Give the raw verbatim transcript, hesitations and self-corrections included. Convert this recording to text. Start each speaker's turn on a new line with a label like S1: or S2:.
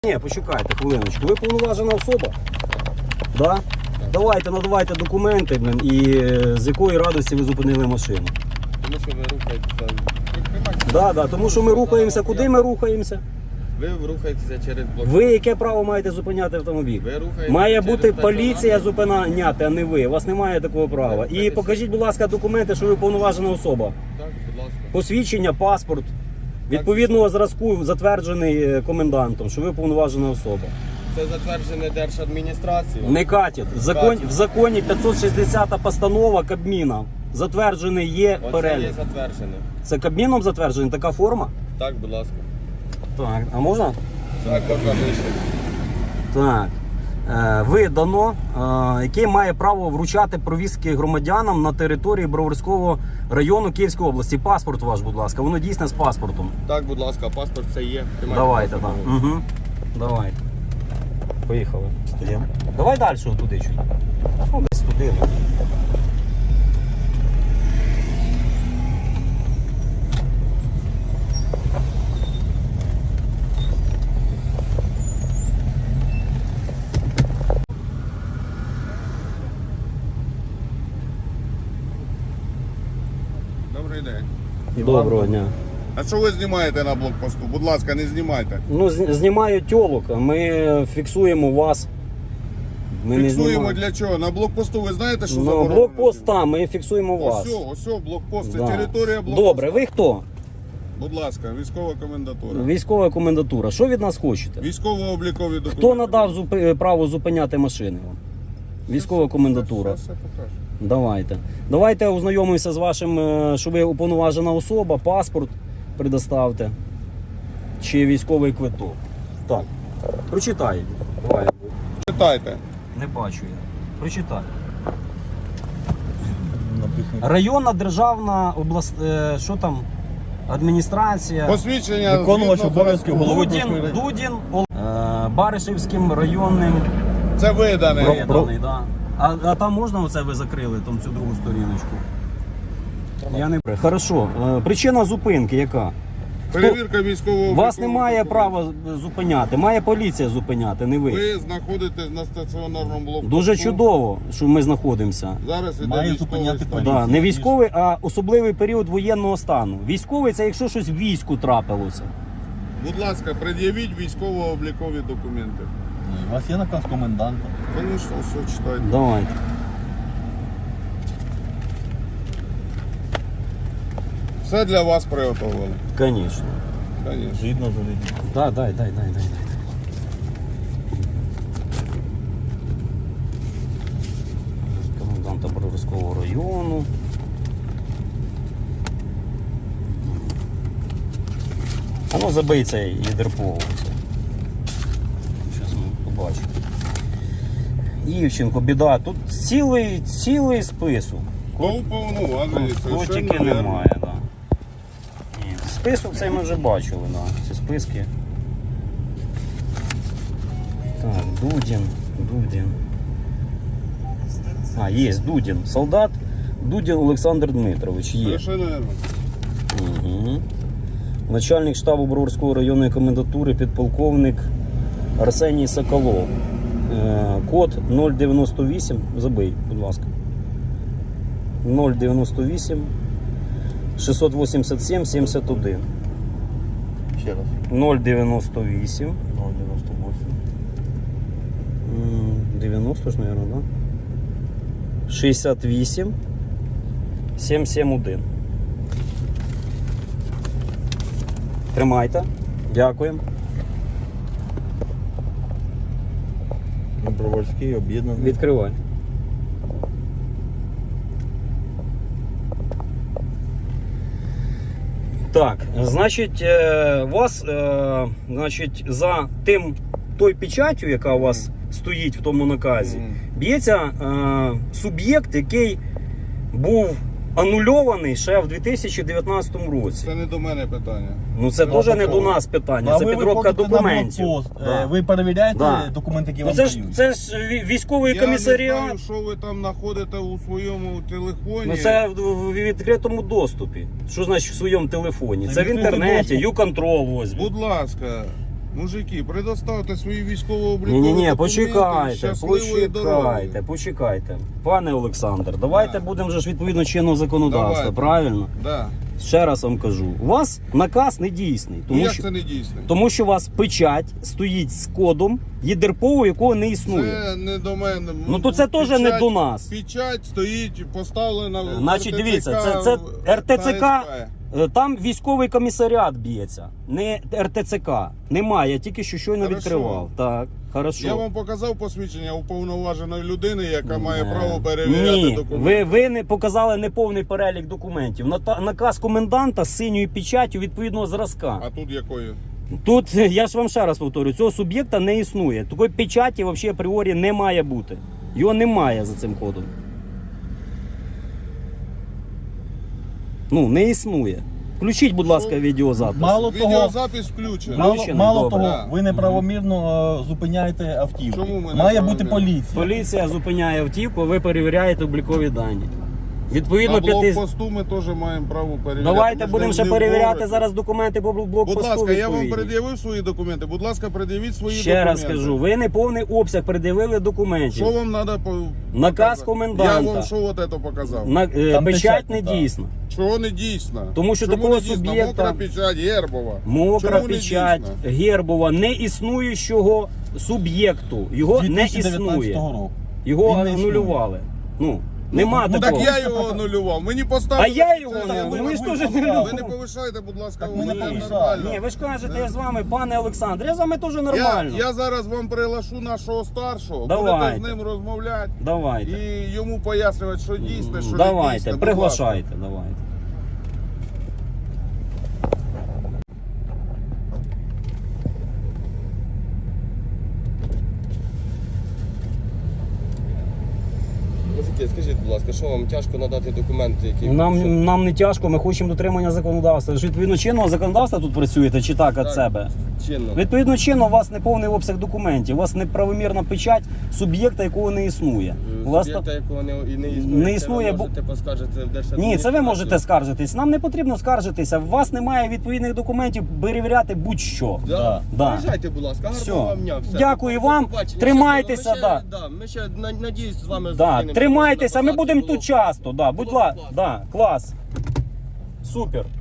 S1: Ні, почекайте хвилиночку. Ви повноважена особа? Да? Давайте, надавайте документи, блин, і е, з якої радості ви зупинили машину.
S2: Тому що ви рухаєтеся.
S1: Да, да, тому що ми рухаємося. Куди ми рухаємося?
S2: Ви рухаєтеся через блок.
S1: Ви яке право маєте зупиняти автомобіль?
S2: Ви рухаєтеся
S1: Має
S2: через
S1: бути
S2: стаціонар.
S1: поліція зупиняти, а не ви. У вас немає такого права. І
S2: Дивіться.
S1: покажіть, будь ласка, документи, що ви повноважена особа.
S2: Так, будь ласка.
S1: Посвідчення, паспорт. Відповідного зразку затверджений е, комендантом, що ви повноважена особа.
S2: Це затверджене Держадміністрацією.
S1: Не катять. В законі, в законі п'ятсот шістдесята постанова Кабміна. Затверджений є
S2: Оце
S1: перелік.
S2: є затверджене.
S1: Це Кабміном затверджена така форма?
S2: Так, будь ласка.
S1: Так, а можна?
S2: Так, покажи.
S1: Так. Е, видано, е, який має право вручати провізки громадянам на території Броварського району Київської області. Паспорт ваш, будь ласка, воно дійсне з паспортом.
S2: Так, будь ласка, паспорт це є. Тримайте
S1: Давайте, так.
S2: паспорт.
S1: Угу. Давайте. Поїхали. Стоїмо. Давай далі туди чуть. Ну, десь туди. Ну.
S3: Добрий день.
S1: Доброго дня.
S3: А що ви знімаєте на блокпосту? Будь ласка, не знімайте.
S1: Ну, з- знімаю тьолок, а ми фіксуємо вас. Ми не
S3: Фіксуємо
S1: знімаємо.
S3: для чого? На блокпосту ви знаєте, що
S1: Ну,
S3: заборонено?
S1: блокпост там, ми фіксуємо вас.
S3: Ось, ось, ось блокпост, це
S1: Да.
S3: територія блокпосту.
S1: Добре, ви хто?
S3: Будь ласка, військова комендатура.
S1: Військова комендатура. Що від нас хочете?
S3: Військово-облікові документи.
S1: Хто надав зупи- право зупиняти машини вам? Військова комендатура.
S3: Зараз я покажу.
S1: Давайте. Давайте ознайомимося з вашим, е, що ви уповноважена особа, паспорт предоставте. Чи військовий квиток. Так. Прочитай. Давай.
S3: Читайте.
S1: Не бачу я. Прочитай. Районна державна область, е, що там? Адміністрація.
S3: Посвідчення
S4: Виконувач
S3: згідно
S4: обов'язків
S3: зразку.
S4: голови
S1: Дудін, Дудін, Ол- е, Баришівським районним.
S3: Це видане.
S1: Виданий, да. А, а там можна оце ви закрили, там цю другу сторіночку? Я не Хорошо. Е, Причина зупинки яка?
S3: Перевірка військового.
S1: Вас немає права зупиняти, має поліція зупиняти, не ви.
S3: Ви знаходитесь на стаціонарному блокпосту.
S1: Дуже чудово, що ми знаходимося.
S3: Зараз іде
S4: Має
S3: військовий
S4: зупиняти
S3: стан.
S4: поліція.
S1: Да, не військовий, а особливий період воєнного стану. Військовий це якщо щось в війську трапилося.
S3: Будь ласка, пред'явіть військово-облікові документи.
S4: У вас є наказ коменданта.
S3: Звісно, все читайте.
S1: Давайте.
S3: Все для вас приготовили.
S1: Звісно.
S3: Звісно.
S4: Згідно з олійним.
S1: Да, дай, дай, дай, дай, дай. Коменданта Броварського району. А ну забий цей єдерпово. Зараз ми побачимо. Івченко, біда. Тут цілий, цілий список.
S3: Хто уповноважений?
S1: Котики
S3: Совершенно вірно.
S1: немає, так. Да. Ні, список цей ми вже бачили, да. Ці списки. Так, Дудін, Дудін. А, є Дудін. Солдат Дудін Олександр Дмитрович. Є.
S3: Совершенно вірно.
S1: Угу. Начальник штабу Броварської районної комендатури, підполковник Арсеній Соколов. Е, Код нуль дев'яносто вісім. Забий, будь ласка. нуль дев'яносто вісім шістсот вісімдесят сім сімдесят один.
S4: Ще раз.
S1: нуль дев'яносто вісім.
S4: ноль дев'яносто вісім.
S1: М, дев'яносто ж, мабуть, да? шістдесят вісім сімсот сімдесят один. Тримайте. Дякуємо.
S4: Броварський об'єднаний.
S1: Відкривай. Так, значить, е, вас, е, значить, за тим той печаттю, яка у вас стоїть в тому наказі,
S3: Мгм.
S1: б'ється е, суб'єкт, який був анульований ще в дві тисячі дев'ятнадцятому році.
S3: Це не до мене питання.
S1: Ну це
S4: Ну,
S1: теж не до
S4: такого.
S1: нас питання,
S4: А
S1: це
S4: ви
S1: підробка
S4: виходите на
S1: документів.
S4: блокпост.
S1: Да.
S4: Е, Ви перевіряєте
S1: Да.
S4: документи, які
S1: Ну
S4: вам
S1: це ж
S4: дають?
S1: це ж ві- військовий
S3: Я не
S1: комісаріат.
S3: знаю, що ви там знаходите у своєму телефоні.
S1: Ну це в в відкритому доступі. Що значить в своєму телефоні?
S4: Це
S1: Це в
S4: відкритий
S1: інтернеті,
S4: доступ.
S1: YouControl ось.
S3: Будь ласка, Мужики, предоставте свої військово-облікові
S1: Ні, ні, ні,
S3: документи.
S1: почекайте,
S3: Щасливої дороги.
S1: почекайте, почекайте. Пане Олександр, давайте
S3: Да.
S1: будемо вже ж відповідно чинного законодавства,
S3: Давайте.
S1: правильно?
S3: Да.
S1: Ще раз вам кажу, у вас наказ не дійсний,
S3: Ну,
S1: тому
S3: як
S1: що,
S3: це не дійсно?
S1: тому що у вас печать стоїть з кодом ЄДРПО, якого не існує.
S3: Це не до мене.
S1: Ну то це теж не до нас.
S3: Печать стоїть поставлена в
S1: Значить,
S3: РТЦК,
S1: дивіться, це, це РТЦК,
S3: та СП.
S1: е, там військовий комісаріат б'ється, не РТЦК. Немає, я тільки що щойно
S3: Хорошо.
S1: відкривав. Так, хорошо.
S3: Я вам показав посвідчення уповноваженої людини, яка має
S1: Е,
S3: право перевіряти
S1: Ні,
S3: документи.
S1: ви, ви не показали неповний перелік документів. Ната- Наказ коменданта з синьою печаттю відповідного зразка.
S3: А тут якою?
S1: Тут, я ж вам ще раз повторю, цього суб'єкта не існує. Такої печаті взагалі апріорі не має бути. Його немає за цим кодом. Ну, не існує. Включіть, будь ласка, відеозапис.
S4: Мало того,
S3: Відеозапис включений.
S4: мало,
S1: Включений,
S4: мало
S1: добре.
S4: того,
S3: Да.
S4: ви неправомірно е, зупиняєте автівку.
S3: Чому ми
S4: Має
S3: неправомірно?
S4: бути поліція.
S1: Поліція зупиняє автівку, ви перевіряєте облікові дані. Відповідно,
S3: На
S1: п'яти...
S3: блокпосту ми теж маємо право перевіряти.
S1: Давайте
S3: Ми ж
S1: будемо
S3: не
S1: ще
S3: в
S1: перевіряти
S3: городі.
S1: зараз документи по блокпосту.
S3: Будь ласка, я вам
S1: відповідні.
S3: пред'явив свої документи. Будь ласка, пред'явіть свої
S1: Ще
S3: документи.
S1: раз кажу, ви не повний обсяг пред'явили документів.
S3: Що вам треба по...
S1: Наказ
S3: показати?
S1: коменданта.
S3: Я вам що от це показав?
S1: На, е,
S4: Там
S1: печать
S4: печать
S1: не
S4: не та.
S1: дійсна.
S3: Чого не дійсно?
S1: Тому що
S3: Чому
S1: такого
S3: не дійсно?
S1: суб'єкта-
S3: Мокра печать, гербова.
S1: Мокра
S3: Чому не
S1: печать
S3: дійсно?
S1: Гербова не існуючого суб'єкту. Його
S4: З
S1: не
S4: дві тисячі дев'ятнадцятого
S1: існує.
S4: року.
S1: Його
S4: Він не існує.
S1: анулювали. Ну, нема
S4: ну,
S1: такого.
S3: Так я його анулював. Мені поставили.
S1: А я його
S3: печать.
S1: не-
S3: Ви-
S1: ну, ви ж
S3: ви-
S1: теж
S3: ви-
S1: не
S3: Ви не повишайте, будь ласка,
S4: Так ми не
S3: мене
S4: повишаємо.
S3: нормально.
S1: Ні, ви ж кажете, я з вами, пане Олександр, я з вами теж нормально.
S3: Я, я зараз вам приглашу нашого старшого,
S1: Давайте.
S3: будете з ним розмовляти
S1: Давайте.
S3: і йому пояснювати, що дійсне, що не
S1: Давайте,
S3: дійсне. Будь
S1: приглашайте, давайте.
S2: Мужики, скажіть, будь ласка, що вам тяжко надати документи, які... що-
S1: Нам, нам не тяжко, ми хочемо дотримання законодавства. Ж відповідно чинного законодавства тут працюєте чи так від
S2: Так.
S1: себе?
S2: чинно?
S1: Відповідно чинно, у вас не повний обсяг документів, у вас неправомірна печать суб'єкта, якого не існує. У вас та-
S2: Суб'єкта, якого не, і не існує,
S1: Не
S2: це
S1: існує,
S2: ви
S1: бо-
S2: можете поскаржити в
S1: Ні,
S2: Держадміністрацію.
S1: це ви можете скаржитись. Нам не потрібно скаржитися. У вас немає відповідних документів перевіряти будь-що.
S2: Да.
S4: Да.
S1: Да.
S2: Приїжджайте, будь ласка, гарного
S1: Все.
S2: вам дня. Все.
S1: Дякую
S2: До
S1: вам.
S2: побачення.
S1: Тримайтеся,
S2: Щасливо. Ми
S1: да.
S2: ще, да. Ми ще, на- надіюсь, з вами
S1: Да,
S2: зустрінемося.
S1: тримайтеся, ми
S2: На посадці
S1: будемо
S2: було-
S1: тут часто. Да, будь
S2: було
S1: ласка,
S2: класно.
S1: да, клас. Супер.